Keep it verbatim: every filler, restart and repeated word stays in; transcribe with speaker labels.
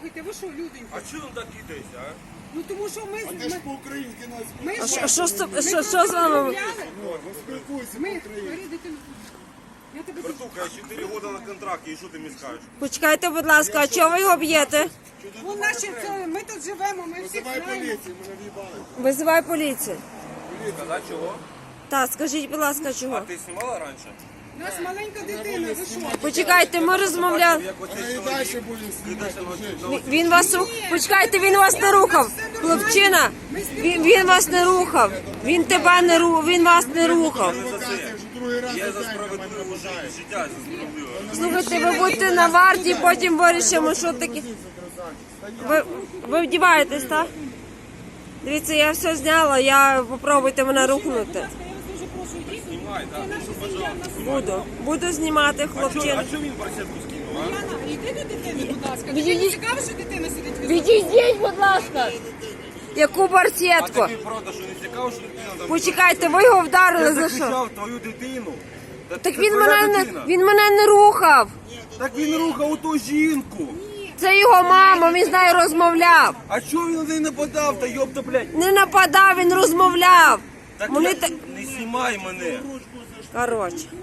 Speaker 1: Слухайте, ви що, люденькі?
Speaker 2: А чого він так кидається, а?
Speaker 1: Ну тому що ми...
Speaker 3: А ти ж по-українськи нас
Speaker 1: Ми,
Speaker 4: А
Speaker 1: ми,
Speaker 4: що, що, з-
Speaker 1: ми
Speaker 4: що, що з вами?
Speaker 1: розмовляли.
Speaker 3: спілкуйся
Speaker 1: Ми,
Speaker 3: по-українськи.
Speaker 1: бери дитину. Я тебе...
Speaker 2: Братуха, я чотири роки на контракті, і що ти мені скажеш?
Speaker 4: Почекайте, будь ласка, а чого ви його б'єте?
Speaker 1: Вон наші, це, ми тут живемо, ми всі
Speaker 3: Визивай
Speaker 1: знаємо.
Speaker 3: поліцію, мене в'їбали.
Speaker 4: Визивай поліцію.
Speaker 2: Казати чого?
Speaker 4: Так, скажіть, будь ласка,
Speaker 2: А
Speaker 4: чого?
Speaker 2: ти знімала раніше?
Speaker 1: У нас маленька дитина, ви що?
Speaker 4: Почекайте, ми розмовляли.
Speaker 2: Як
Speaker 3: Вона
Speaker 2: оцей
Speaker 3: і
Speaker 2: чоловік
Speaker 3: далі буде знімати.
Speaker 2: кидався на
Speaker 4: Він вас рух... Почекайте, він вас не рухав. Хлопчина, він, він вас не рухав. Він тебе не ру... він вас не рухав.
Speaker 3: Провокація вже другий раз
Speaker 2: Я за
Speaker 3: за день на мене
Speaker 2: справедливу
Speaker 3: нападає.
Speaker 2: життя, за справедливе.
Speaker 4: Слухайте, ви будьте на варті, потім вирішимо, що таке. Ви, ви вдіваєтесь, так? Дивіться, я все зняла, я попробуйте мене рухнути.
Speaker 1: Я вас дуже прошу, йдіть.
Speaker 2: Знімай, так?
Speaker 1: Це наша сім'я, в нас
Speaker 4: Буду. Буду знімати
Speaker 2: А чого
Speaker 4: хлопчину.
Speaker 2: а чого він барсетку скинув, а?
Speaker 1: Яна, йди до дитини, будь ласка. Тобі
Speaker 4: Відійдіть.
Speaker 1: не цікаво, що дитина сидить в
Speaker 4: Відійдіть, будь ласка. Яку
Speaker 2: А
Speaker 4: барсетку?
Speaker 2: тобі правда, що не цікаво, що дитина там...
Speaker 4: Почекайте, ви його вдарили
Speaker 2: Я
Speaker 4: за що?
Speaker 2: захищав твою дитину. Та
Speaker 4: Так
Speaker 2: це
Speaker 4: він
Speaker 2: твоя
Speaker 4: мене не
Speaker 2: дитина.
Speaker 4: він мене не рухав.
Speaker 2: Так він рухав ту жінку.
Speaker 4: Це його мама, він з нею розмовляв.
Speaker 2: А чого він на неї нападав, та йопта, блядь?
Speaker 4: Не нападав, він розмовляв.
Speaker 2: Так
Speaker 4: Вони
Speaker 2: я...
Speaker 4: та...
Speaker 2: не знімай мене.
Speaker 4: Коротше.